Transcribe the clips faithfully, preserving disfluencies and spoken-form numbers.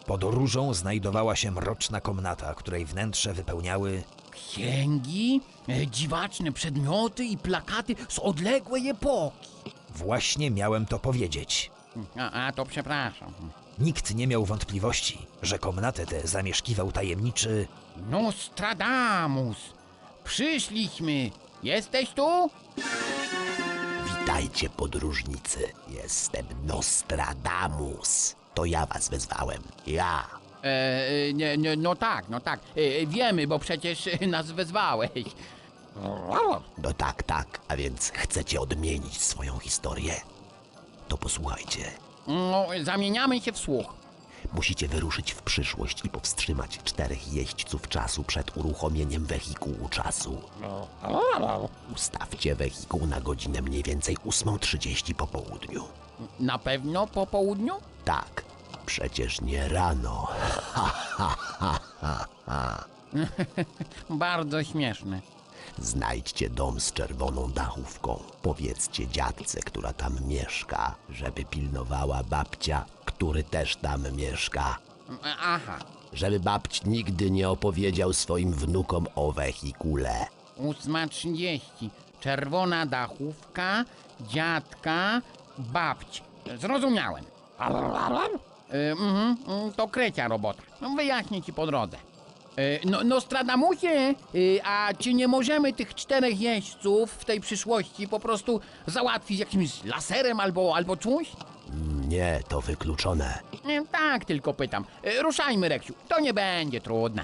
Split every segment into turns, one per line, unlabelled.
Pod różą znajdowała się mroczna komnata, której wnętrze wypełniały...
Księgi, e, dziwaczne przedmioty i plakaty z odległej epoki.
Właśnie miałem to powiedzieć.
A, a to przepraszam.
Nikt nie miał wątpliwości, że komnatę tę zamieszkiwał tajemniczy...
Nostradamus! Przyszliśmy! Jesteś tu?
Witajcie, podróżnicy. Jestem Nostradamus. To ja was wezwałem. Ja.
E, nie, nie, no tak, no tak. E, wiemy, bo przecież nas wezwałeś.
No tak, tak. A więc chcecie odmienić swoją historię? To posłuchajcie.
No, zamieniamy się w słuch.
Musicie wyruszyć w przyszłość i powstrzymać czterech jeźdźców czasu przed uruchomieniem wehikułu czasu. Ustawcie wehikuł na godzinę mniej więcej ósmą trzydzieści po południu.
Na pewno po południu?
Tak, przecież nie rano. Ha, ha, ha, ha, ha.
Bardzo śmieszne.
Znajdźcie dom z czerwoną dachówką. Powiedzcie dziadce, która tam mieszka, żeby pilnowała babcia, który też tam mieszka.
Aha,
Żeby babć nigdy nie opowiedział swoim wnukom o wehikule.
ósma trzydzieści. Czerwona dachówka, dziadka, babci. Zrozumiałem. E, mhm, mm, to krecia robota. No, wyjaśnię ci po drodze. E, no, Nostradamusie, e, a czy nie możemy tych czterech jeźdźców w tej przyszłości po prostu załatwić jakimś laserem albo, albo czymś?
Nie, to wykluczone.
E, tak, tylko pytam. E, ruszajmy, Reksiu, to nie będzie trudne.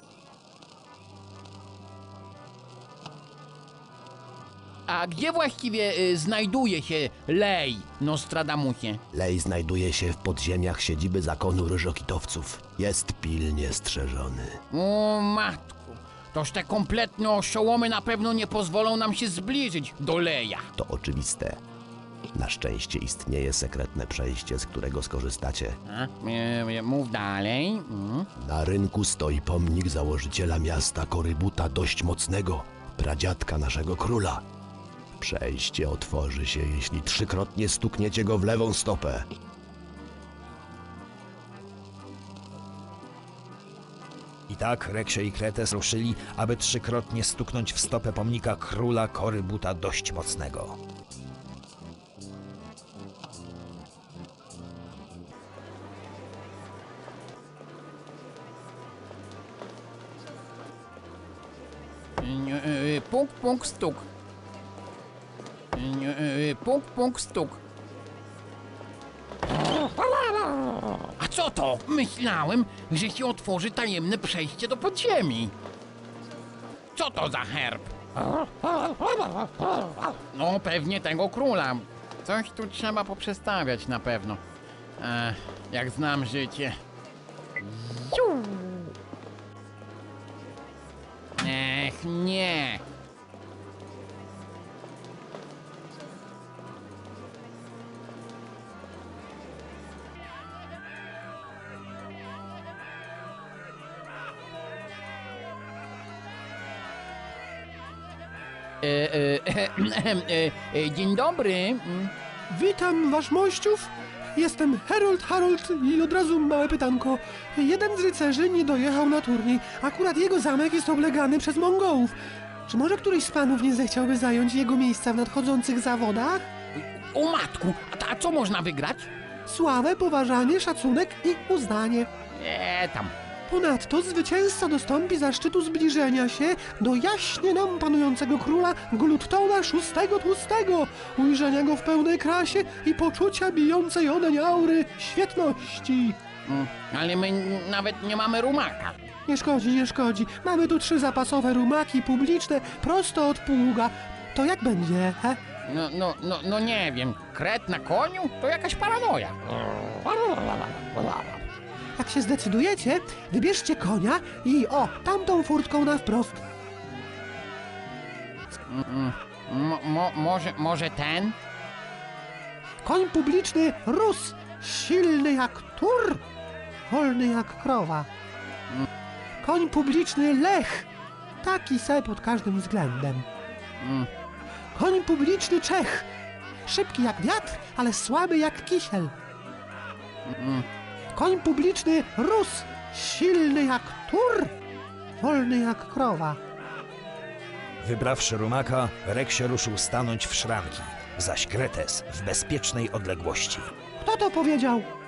A gdzie właściwie e, znajduje się Lej, Nostradamusie?
Lej znajduje się w podziemiach siedziby zakonu ryżokitowców. Jest pilnie strzeżony.
O matku, toż te kompletne oszołomy na pewno nie pozwolą nam się zbliżyć do Leja.
To oczywiste. Na szczęście istnieje sekretne przejście, z którego skorzystacie.
A, e, e, mów dalej. Mm.
Na rynku stoi pomnik założyciela miasta Korybuta dość mocnego, pradziadka naszego króla. Przejście otworzy się, jeśli trzykrotnie stukniecie go w lewą stopę.
I tak Reksio i Kretes ruszyli, aby trzykrotnie stuknąć w stopę pomnika króla Korybuta dość mocnego.
E, e, Puk, puk, stuk. E, e, Puk, puk, stuk. A co to? Myślałem, że się otworzy tajemne przejście do podziemi. Co to za herb? No, pewnie tego króla. Coś tu trzeba poprzestawiać na pewno. E, jak znam życie. Ech, nie. E, e, e, e, dzień dobry.
Witam wasz mościów. Jestem Harold Harold i od razu małe pytanko. Jeden z rycerzy nie dojechał na turniej. Akurat jego zamek jest oblegany przez Mongołów. Czy może któryś z panów nie zechciałby zająć jego miejsca w nadchodzących zawodach?
O matku, a, a co można wygrać?
Sławę, poważanie, szacunek i uznanie.
Nie tam.
Ponadto zwycięzca dostąpi zaszczytu zbliżenia się do jaśnie nam panującego króla Gluttona szóstego Tłustego, ujrzenia go w pełnej krasie i poczucia bijącej odeń aury świetności.
Mm, ale my nawet nie mamy rumaka.
Nie szkodzi, nie szkodzi. Mamy tu trzy zapasowe rumaki publiczne prosto od pługa. To jak będzie, he?
No, no, no, no nie wiem, kret na koniu? To jakaś paranoja.
Jak się zdecydujecie, wybierzcie konia i o, tamtą furtką na wprost.
Mo, mo, może, może ten?
Koń publiczny Rus, silny jak tur, wolny jak krowa. Koń publiczny Lech, taki se pod każdym względem. Koń publiczny Czech, szybki jak wiatr, ale słaby jak kisiel. koń publiczny rósł, silny jak tur, wolny jak krowa.
Wybrawszy rumaka, Reksio ruszył stanąć w szranki, zaś Kretes w bezpiecznej odległości.
Kto to powiedział?